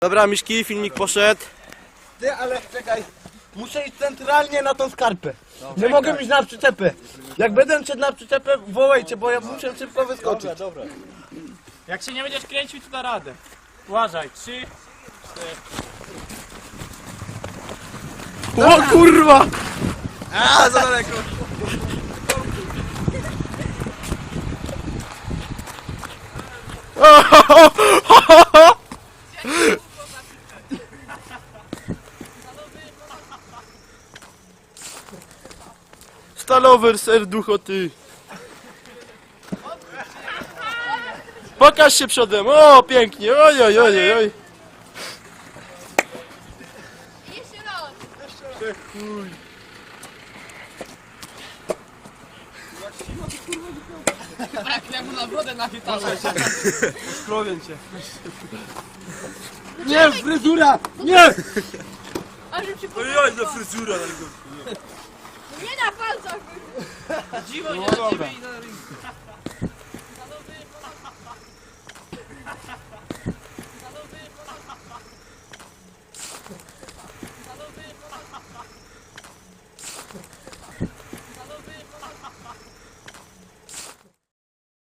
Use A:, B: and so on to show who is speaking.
A: Dobra, Miszki, filmik poszedł.
B: Ty, ale czekaj, muszę iść centralnie na tą skarpę. Nie mogę iść na przyczepę. Jak będę szedł na przyczepę, wołajcie, bo ja muszę szybko wyskoczyć.
C: Dobra. Jak się nie będziesz kręcił, to da radę. Uważaj, 3, 4.
A: O kurwa!
B: A, za daleko.
A: Stalower serducho ty. Pokaż się przodem, o pięknie, oj oj oj oj.
D: Jeszcze raz. Jak mu na brodę nachytałem.
B: Nie, fryzura! Nie!
D: A że przypomnę.
A: Oj, za fryzura.
D: Nie na palcach.
C: Dziwo nie na ciebie i na rynku.